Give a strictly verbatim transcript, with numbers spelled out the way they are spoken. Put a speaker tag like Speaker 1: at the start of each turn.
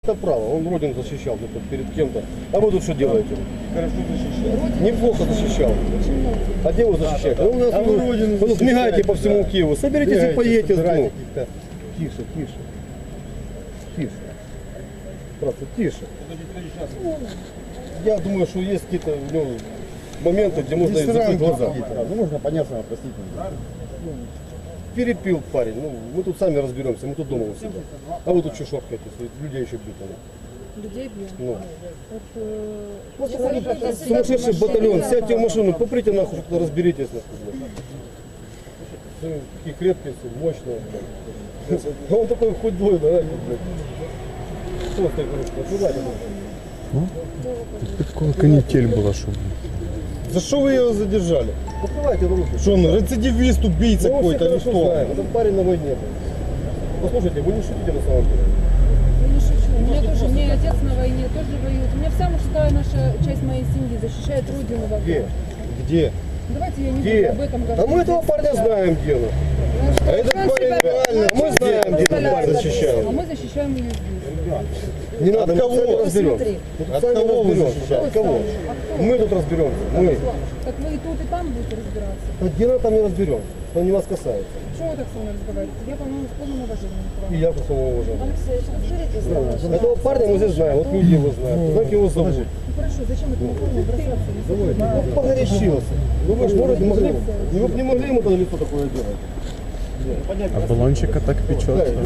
Speaker 1: Это право, он родину защищал тут перед кем-то. А вы тут что делаете?
Speaker 2: Хорошо защищал.
Speaker 1: Неплохо защищал. А где вы защищаете? Ну, у нас
Speaker 2: А
Speaker 1: вы,
Speaker 2: вы родину
Speaker 1: вы тут мигаете
Speaker 2: защищаете,
Speaker 1: по всему
Speaker 2: да.
Speaker 1: Киеву. Соберитесь и
Speaker 2: Бегаете,
Speaker 1: поедете.
Speaker 2: собираете
Speaker 1: Ну,
Speaker 2: каких-то. Тише, тише. Тише.
Speaker 1: просто тише. Я думаю, что есть какие-то ну, моменты, где можно
Speaker 2: Есть
Speaker 1: закрыть
Speaker 2: рамки
Speaker 1: глаза.
Speaker 2: какие-то. Ну, можно понятно, простить нельзя.
Speaker 1: Перепил парень. Ну, мы тут сами разберемся, мы тут дома у себя. А вы тут что шоркаете? Людей еще бьют. Ну.
Speaker 3: Людей бьем.
Speaker 1: Ну.
Speaker 3: Вот, э,
Speaker 1: Сумасшедший батальон, сядьте в машину, поприте нахуй, что-то разберитесь. Нахуй, блядь. Вы такие крепкие, все, мощные. Блядь. А он такой худой, да, блядь. Что он такой, куда
Speaker 4: Такая канитель была, что.
Speaker 2: За что вы его задержали?
Speaker 1: Покрывайте руки.
Speaker 2: Что он, рецидивист, убийца
Speaker 1: Мы его все
Speaker 2: какой-то или
Speaker 1: хорошо
Speaker 2: что?
Speaker 1: знаем. Этот парень на войне был. Послушайте, вы не шутите на самом деле.
Speaker 3: Я не шучу. У меня тоже, у меня отец на войне тоже воюет. У меня вся мужская наша часть моей семьи защищает родину в
Speaker 1: Где?
Speaker 3: огне.
Speaker 2: Где?
Speaker 3: Давайте я не
Speaker 1: Где?
Speaker 3: буду об этом говорить.
Speaker 1: А мы этого парня знаем, где он.
Speaker 2: А этот парень реально,
Speaker 1: Мы знаем, где этот парень защищает.
Speaker 3: А мы защищаем ее здесь.
Speaker 1: Не надо,
Speaker 2: От кого?
Speaker 1: мы сами разберемся.
Speaker 3: Посмотри.
Speaker 1: Мы
Speaker 2: От
Speaker 1: сами
Speaker 2: кого вы
Speaker 1: разберемся.
Speaker 2: защищаете?
Speaker 1: От кого? Мы тут разберемся. Мы.
Speaker 3: Так вы и тут, и там будете разбираться.
Speaker 1: А где надо, там и разберемся. Это не вас касается.
Speaker 3: Почему вы так со мной разговариваете? Я, по-моему, с полным уважением к вам.
Speaker 1: И я просто его уважаю.
Speaker 3: Алексей, расскажите.
Speaker 1: Этого парня мы здесь знаем, вот люди его знают, знаете, его зовут.
Speaker 3: Ну хорошо, зачем это форму бросаться?
Speaker 1: Ну, погорячился. Ну вы же можете могли. Ну, вы бы не могли ему тогда лицо такое делать.
Speaker 4: А баллончика так печется.